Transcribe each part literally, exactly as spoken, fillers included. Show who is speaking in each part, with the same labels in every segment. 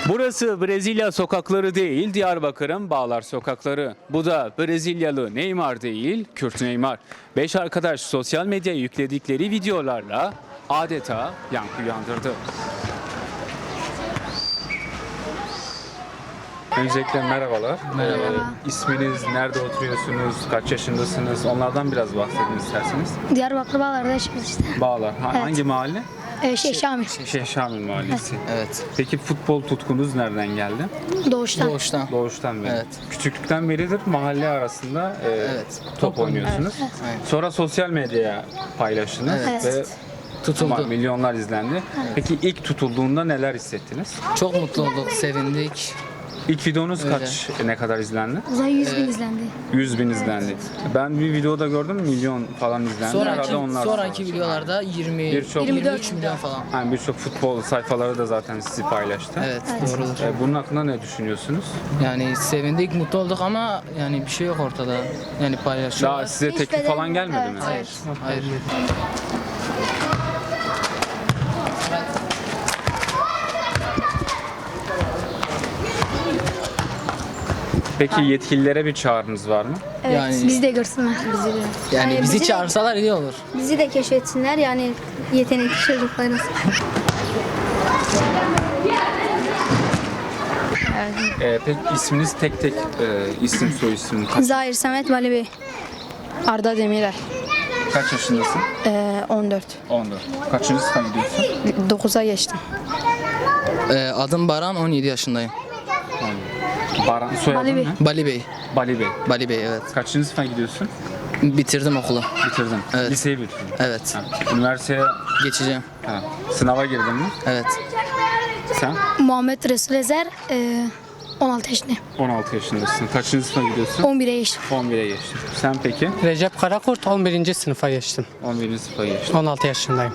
Speaker 1: Burası Brezilya sokakları değil, Diyarbakır'ın Bağlar sokakları. Bu da Brezilyalı Neymar değil, Kürt Neymar. Beş arkadaş sosyal medyaya yükledikleri videolarla adeta yankı uyandırdı. Öncelikle merhabalar.
Speaker 2: Merhaba.
Speaker 1: Ee, isminiz, nerede oturuyorsunuz, kaç yaşındasınız? Onlardan biraz bahsedin isterseniz.
Speaker 3: Diyarbakır Bağlar'da yaşıyoruz işte.
Speaker 1: Bağlar. Ha-
Speaker 3: Evet.
Speaker 1: Hangi mahalle?
Speaker 3: Ee, şey Şamil.
Speaker 1: Şeyh Şamil Mahallesi.
Speaker 2: Evet.
Speaker 1: Peki futbol tutkunuz nereden geldi?
Speaker 3: Doğuştan.
Speaker 2: Doğuştan.
Speaker 1: Doğuştan beri.
Speaker 2: Evet.
Speaker 1: Küçüklükten beridir mahalle arasında e,
Speaker 2: Evet.
Speaker 1: top oynuyorsunuz.
Speaker 2: Aynen.
Speaker 1: Sonra sosyal medyaya paylaştınız
Speaker 2: Evet.
Speaker 1: ve
Speaker 2: Tutuldu.
Speaker 1: ma- milyonlar izlendi. Peki ilk tutulduğunda neler hissettiniz?
Speaker 2: Çok mutlu olduk, sevindik.
Speaker 1: İlk videonuz
Speaker 2: Öyle.
Speaker 1: kaç, ne kadar izlendi?
Speaker 3: Zaten yüz bin izlendi.
Speaker 1: yüz bin izlendi. Ben bir videoda gördüm milyon falan izlendi. Herhalde
Speaker 2: Sonraki,
Speaker 1: onlar.
Speaker 2: sonraki videolarda yirmi,
Speaker 1: Birçok-
Speaker 2: yirmi üç milyon falan.
Speaker 1: Yani birçok futbol sayfaları da zaten sizi paylaştı.
Speaker 2: Evet, doğrudur.
Speaker 1: E, Bunun hakkında ne düşünüyorsunuz?
Speaker 2: Yani sevindik, mutlu olduk ama yani bir şey yok ortada. Yani paylaşıyorlar.
Speaker 1: Daha size
Speaker 3: Hiç
Speaker 1: teklif
Speaker 3: bedel-
Speaker 1: falan gelmedi
Speaker 3: Evet,
Speaker 1: mi?
Speaker 2: Hayır, hayır.
Speaker 1: Peki yetkililere bir çağrınız var mı?
Speaker 3: Evet,
Speaker 2: Yani-
Speaker 3: bizi de görsünler. Bizi de.
Speaker 2: Yani
Speaker 3: Yani
Speaker 2: bizi
Speaker 3: bizi de-
Speaker 2: çağırsalar iyi olur.
Speaker 3: Bizi de keşfetsinler yani yetenekli çocuklarız.
Speaker 1: E, peki isminiz tek tek e, isim soy isim kaç,
Speaker 3: Zahir Samet Vali Bey.
Speaker 4: Arda Demirer,
Speaker 1: kaç yaşındasın?
Speaker 4: ee, on dört.
Speaker 1: on dört. Kaçıncı sınıfa gidiyorsun?
Speaker 4: dokuza geçtim.
Speaker 2: Ee, adım Baran, on yedi yaşındayım.
Speaker 1: Baran, soyadın
Speaker 3: Bali Bey.
Speaker 1: ne?
Speaker 2: Bali Bey.
Speaker 1: Bali Bey.
Speaker 2: Bali Bey, evet.
Speaker 1: Kaçıncı sınıfa gidiyorsun?
Speaker 2: Bitirdim okulu.
Speaker 1: Bitirdin.
Speaker 2: Evet.
Speaker 1: Liseyi bitirdin.
Speaker 2: Evet.
Speaker 1: Ha, Üniversiteye
Speaker 2: Geçeceğim.
Speaker 1: ha, sınava girdin mi?
Speaker 2: Evet.
Speaker 1: Sen
Speaker 3: Muhammed Resul Ezer e, on altı yaşındayım.
Speaker 1: on altı yaşındasın. Kaçıncı sınıfa gidiyorsun?
Speaker 3: on bire geçtim.
Speaker 1: on bire geçtin. Sen peki?
Speaker 5: Recep Karakurt on birinci sınıfa geçtim.
Speaker 1: on birinci sınıfa geçtin.
Speaker 5: on altı yaşındayım.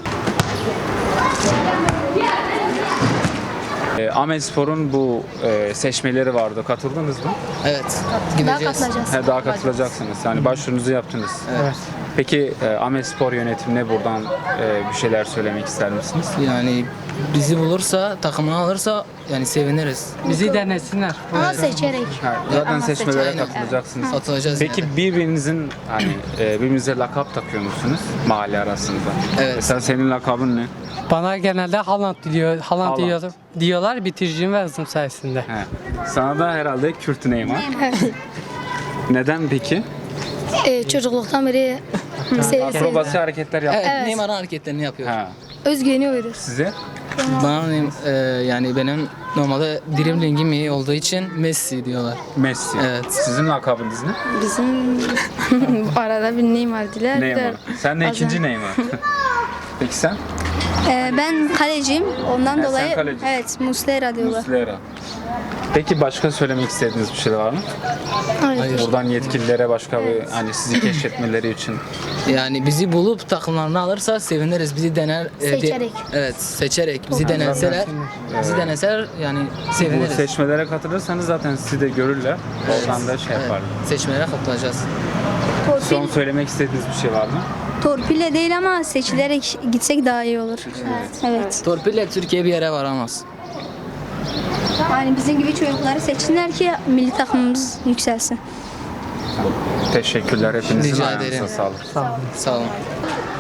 Speaker 1: E, Ahmetspor'un bu e, seçmeleri vardı. Katıldınız mı?
Speaker 2: Evet.
Speaker 3: Daha
Speaker 2: Gideceğiz.
Speaker 3: katılacağız.
Speaker 1: He, daha katılacaksınız. Yani başvurunuzu yaptınız.
Speaker 5: Evet.
Speaker 1: Peki e, Ahmetspor yönetimine buradan e, bir şeyler söylemek ister misiniz?
Speaker 2: Yani bizi bulursa, takımını alırsa yani seviniriz.
Speaker 5: Bizi denesinler.
Speaker 3: Ama seçerek.
Speaker 1: Ha, zaten
Speaker 2: Ama
Speaker 1: seçmelere
Speaker 2: seçeneği-
Speaker 1: katılacaksınız.
Speaker 2: Atılacağız
Speaker 1: Peki
Speaker 2: yani.
Speaker 1: birbirinizin hani e, birbirinize lakap takıyor musunuz mahalle arasında?
Speaker 2: Evet.
Speaker 1: Mesela senin lakabın ne?
Speaker 5: Bana genelde Haaland diyor, Haaland
Speaker 1: Haaland.
Speaker 5: diyor, diyorlar bitiricim ve hızım sayesinde.
Speaker 1: He. Sana da herhalde Kürt Neymar. Neden peki?
Speaker 3: E, çocukluktan beri sev, sev,
Speaker 1: Akrobasi hareketler yap.
Speaker 2: Evet, Neymar'ın hareketlerini yapıyor.
Speaker 1: Ha.
Speaker 3: özgüveni veriyoruz.
Speaker 1: Size?
Speaker 2: Bana e, yani benim normalde driblingim iyi olduğu için Messi diyorlar.
Speaker 1: Messi.
Speaker 2: Evet.
Speaker 1: Sizin lakabınız ne?
Speaker 4: Bizim arada bir Neymar diler.
Speaker 1: Neymar. Sen de
Speaker 4: Bazen-
Speaker 1: ikinci Neymar. Peki sen?
Speaker 3: E, ben kaleciyim. Ondan
Speaker 1: Ha, sen
Speaker 3: dolayı
Speaker 1: kalecisin.
Speaker 3: evet Muslera diyorlar.
Speaker 1: Muslera. Peki başka söylemek istediğiniz bir şey var mı?
Speaker 2: Hayır.
Speaker 1: Buradan yetkililere başka bir hani sizi keşfetmeleri için.
Speaker 2: Yani bizi bulup takımlarını alırsa seviniriz. Bizi dener e, de-
Speaker 3: Seçerek.
Speaker 2: evet, seçerek. Bizi deneseler, bizi deneseler yani
Speaker 1: Bu
Speaker 2: seviniriz.
Speaker 1: seçmelere katılırsanız zaten sizi de görürler. Oradan da şey
Speaker 2: Evet,
Speaker 1: yaparlar.
Speaker 2: seçmelere katılacağız.
Speaker 1: Son
Speaker 3: Torpil,
Speaker 1: söylemek istediğiniz bir şey var mı?
Speaker 3: torpille değil ama seçilerek gitsek daha iyi olur. Evet.
Speaker 2: Torpille Türkiye bir yere varamaz.
Speaker 3: Yani bizim gibi çocukları seçsinler ki milli takımımız yükselsin.
Speaker 1: Teşekkürler hepinizin
Speaker 2: Rica
Speaker 1: ayağınıza
Speaker 2: ederim.
Speaker 1: sağlık.
Speaker 2: Sağ olun.